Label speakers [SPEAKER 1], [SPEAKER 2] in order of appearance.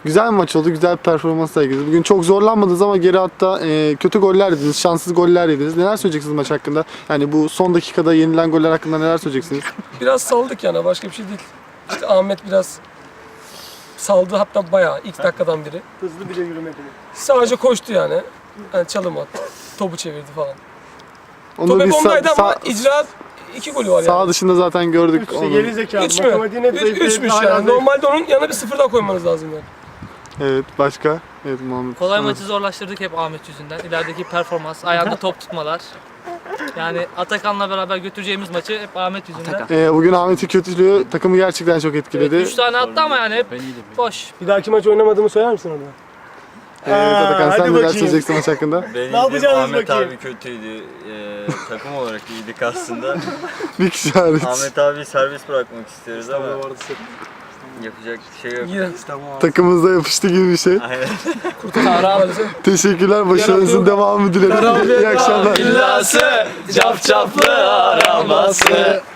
[SPEAKER 1] Güzel bir maç oldu, güzel bir performans sergilediniz. Bugün çok zorlanmadınız ama geri hatta kötü goller yediniz, şanssız goller yediniz. Neler söyleyeceksiniz maç hakkında? Yani bu son dakikada yenilen goller hakkında neler söyleyeceksiniz?
[SPEAKER 2] Biraz saldık yani, başka bir şey değil. İşte Ahmet biraz saldı, hatta bayağı ilk dakikadan biri.
[SPEAKER 3] Hızlı bile yürümedi.
[SPEAKER 2] Sadece koştu yani. Yani çalım attı, topu çevirdi falan.
[SPEAKER 1] Onu
[SPEAKER 2] Top hep
[SPEAKER 1] biz
[SPEAKER 2] ondaydı ama icraat 2 golü var
[SPEAKER 1] sağ
[SPEAKER 2] yani.
[SPEAKER 1] dışında zaten gördük.
[SPEAKER 3] İşte
[SPEAKER 1] onu.
[SPEAKER 3] geri zekalı.
[SPEAKER 2] 3 mü?
[SPEAKER 3] Matematiğin hep zayıf.
[SPEAKER 2] 3'müş yani. Normalde onun yanına bir sıfır daha koymanız lazım yani.
[SPEAKER 1] Evet, başka? Evet, Muhammed.
[SPEAKER 4] Kolay
[SPEAKER 1] Evet.
[SPEAKER 4] maçı zorlaştırdık hep Ahmet yüzünden. İlerideki performans, ayağında top tutmalar. Yani Atakan'la beraber götüreceğimiz maçı hep Ahmet yüzünden.
[SPEAKER 1] Bugün Ahmet'in kötülüğü takımı gerçekten çok etkiledi.
[SPEAKER 4] 3 tane attı ama yani hep boş.
[SPEAKER 3] Bir dahaki maç oynamadığımı söyler misin ona?
[SPEAKER 1] Atakan,
[SPEAKER 3] hadi
[SPEAKER 1] sen neler
[SPEAKER 3] bakayım.
[SPEAKER 1] söyleyeceksin maç hakkında?
[SPEAKER 5] Ben
[SPEAKER 3] Ne yapacağız
[SPEAKER 5] Ahmet
[SPEAKER 3] bakayım?
[SPEAKER 5] abi kötüydü. Takım olarak iyiydik aslında.
[SPEAKER 1] Bir kişi hariç.
[SPEAKER 5] Ahmet abi serbest bırakmak istiyoruz ama yapacak bir şey yok.
[SPEAKER 2] Yine.
[SPEAKER 1] Takımımıza yapıştı gibi bir şey.
[SPEAKER 5] Aynen.
[SPEAKER 1] Teşekkürler, başarınızın devamını dilerim. İyi akşamlar.
[SPEAKER 6] İllası, cap caplı araması.